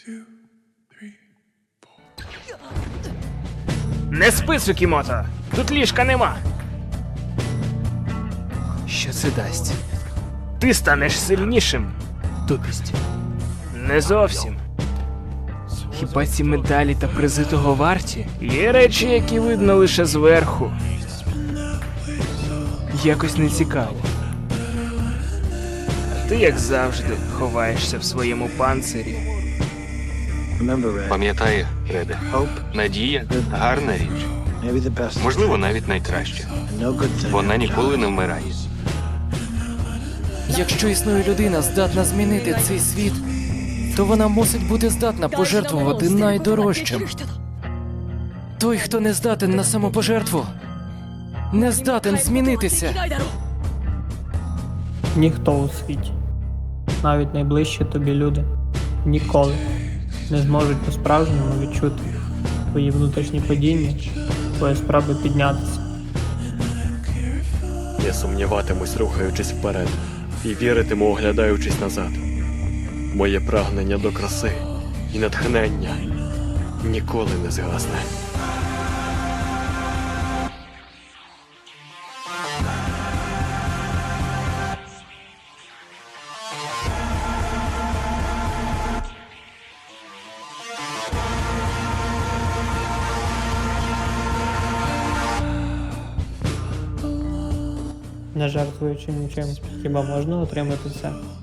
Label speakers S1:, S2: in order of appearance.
S1: Не спи, Цукімото! Тут ліжка нема. Що це дасть? Ти станеш сильнішим. Тупість. Не зовсім. Хіба ці медалі та призи того варті? Є речі, які видно лише зверху. Якось не цікаво. Ти, як завжди, ховаєшся в своєму панцирі.
S2: Пам'ятай, Реде, надія – гарна річ. Можливо, навіть найкраща. Вона ніколи не вмирає.
S3: Якщо існує людина, здатна змінити цей світ, то вона мусить бути здатна пожертвувати найдорожчим. Той, хто не здатен на самопожертву, не здатен змінитися.
S4: Ніхто у світі, навіть найближчі тобі люди, ніколи не зможуть по-справжньому відчути твої внутрішні падіння, твої спроби піднятися.
S5: Я сумніватимусь, рухаючись вперед, і віритиму, оглядаючись назад. Моє прагнення до краси і натхнення ніколи не згасне.
S4: Не жертвуючи нічим, хіба можна отримати це?